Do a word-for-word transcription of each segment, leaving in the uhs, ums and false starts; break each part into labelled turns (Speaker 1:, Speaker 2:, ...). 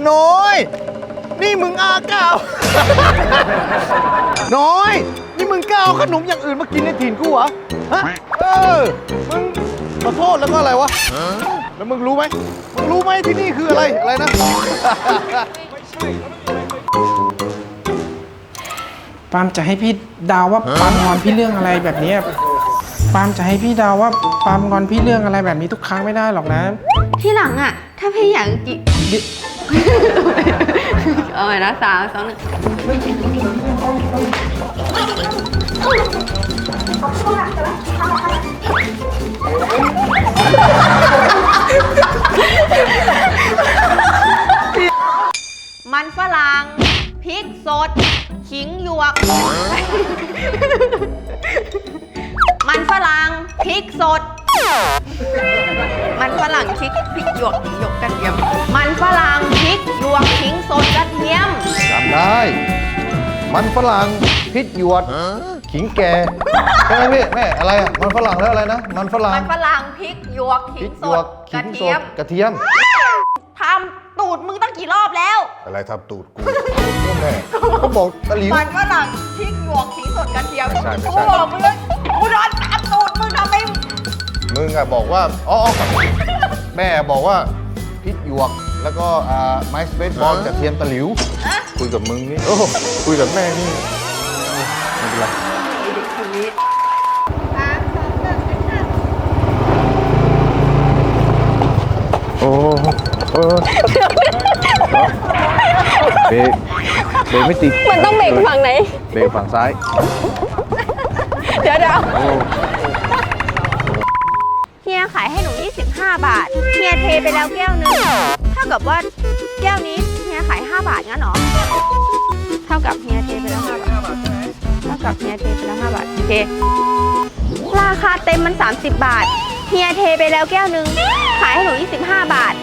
Speaker 1: น้อยนี่มึงอาเก้า น้อยนี่มึงกล้าเอาขนมอย่างอื่นมากินในถิ่นกูเหรอฮะเออมึงขอโทษแล้วก็อะไรวะแล้วมึงรู้ไหมมึงรู้ไหมที่นี่คืออะไรอะไรนะ
Speaker 2: ปาล์มจะให้พี่ดาวว่าปาล์มงอนพี่เรื่องอะไรแบบนี้ปาล์มจะให้พี่ดาวว่าปาล์มงอนพี่เรื่องอะไรแบบนี้ทุกครั้งไม่ได้หรอกนะ
Speaker 3: ที่หลังอ่ะ ถ้าพี่อยากกิน เอาใหม่นะสามสองหนึ่งมันฝรั่งพริกสดขิงหยวก มันฝรั่งพริกสดมันฝรั่งพริกพริกหยวกขิงหยวกกระเทียมมันฝรั่งพริกหยวกขิงสดกระเทียม
Speaker 1: จำได้มันฝรั่งพริกหยวดขิงแก่ใช่ไหมพี่แม่อะไรอ่ะมันฝรั่งแล้วอะไรนะมันฝรั่ง
Speaker 3: มันฝรั่งพริกหยวกขิงสดกระเทียม
Speaker 1: กระเทียม
Speaker 3: ทำตูดมึงตั้งกี่รอบแล้ว
Speaker 1: อะไรทำตูดกูแม่ก็บอกตะหลิว
Speaker 3: มันฝรั่งพริกหยวกขิงสดกระเทียม
Speaker 1: ไม่ใช่ไม่ใช่
Speaker 3: กูบอกมึงเลยกูโดนตามตูดมึงทำไม
Speaker 1: มึงอะบอกว่าอ๋อแม่บอกว่าพริกหยวกแล้วก็ไม้สเปซบอลกระเทียมตะหลิวคุยกับมึงนี่โอ้คุยกับแม่นี่ไม่เป็นไรโอ้เออเบรกเบรกไม่ติด
Speaker 3: มันต้องเบรกฝั่งไหน
Speaker 1: เบรกฝั่งซ้าย
Speaker 3: เดี๋ยวเดี๋ยวเฮียขายให้หนูยี่สิบห้าบาทเฮียเทไปแล้วแก้วนึงเท่ากับว่าแก้วนี้เฮียขายห้าบาทงั้นหรอเท่ากับเฮียเทไปแล้วห้าบาทเท่ากับเฮียเทไปแล้วห้าบาทโอเคราคาเต็มมันสามสิบบาทเฮียเทไปแล้วแก้วนึงขายให้หนูยี่สิบห้าบาท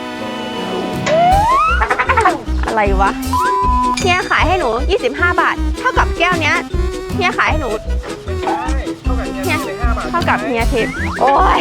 Speaker 3: อะไรวะเฮียขายให้หนูยี่สิบห้าบาทเท่ากับแก้วเนี้ยเฮียขายให้หนูเฮียเท่ากับเฮียเทโอ้ย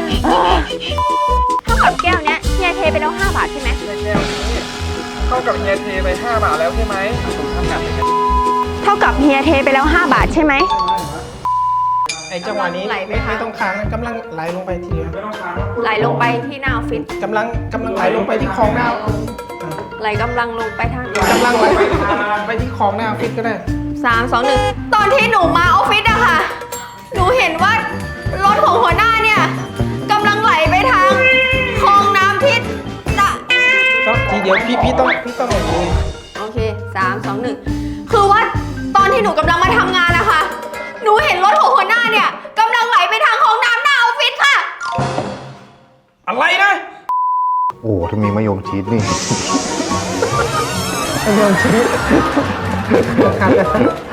Speaker 3: เท่ากับแก้วเนี้ยเฮียเทไปแล้วห้าบาทใช่ไหม
Speaker 4: แก้วนี้เท่ากับเฮียเทไปห้าบาทแล้วใช่ไหม
Speaker 3: เท่ากับเฮียเทไปแล้วห้าบาทใช่ไหม
Speaker 2: ไอ้จังหวะนี้ไม่ไม่ต้องค้างกำลังไหลลงไปทีเดียว
Speaker 3: ไหลลงไปที่หน้าออฟฟิศ
Speaker 2: กำลังกำลังไหลลงไปที่คลองหน้า
Speaker 3: ไหลกำลังลงไปทาง
Speaker 2: กำลังไหลไปที่คลองหน้าออฟฟิศก็ได้
Speaker 3: สามสองหนึ่งตอนที่หนูมาออฟฟิศอะค่ะหนูเห็นว่ารถของหัวหน้าเนี่ยกำลังไหลไปทางคลองน้ำทิศตะ
Speaker 2: ทีเดียวพี่พี่ต้องพี่ต้องอย่างนี้
Speaker 3: โอเคสามสองหนึ่งคือว่าตอนที่หนูกำลังมาทำงานนะคะหนูเห็นรถของหัวหน้าเนี่ยกำลังไหลไปทางคลองน้ำหน้าออฟฟิศค่ะ
Speaker 2: อะไรนะ
Speaker 1: โอ้ถ้ามีมะยมชีสนี่
Speaker 2: มะยมชีส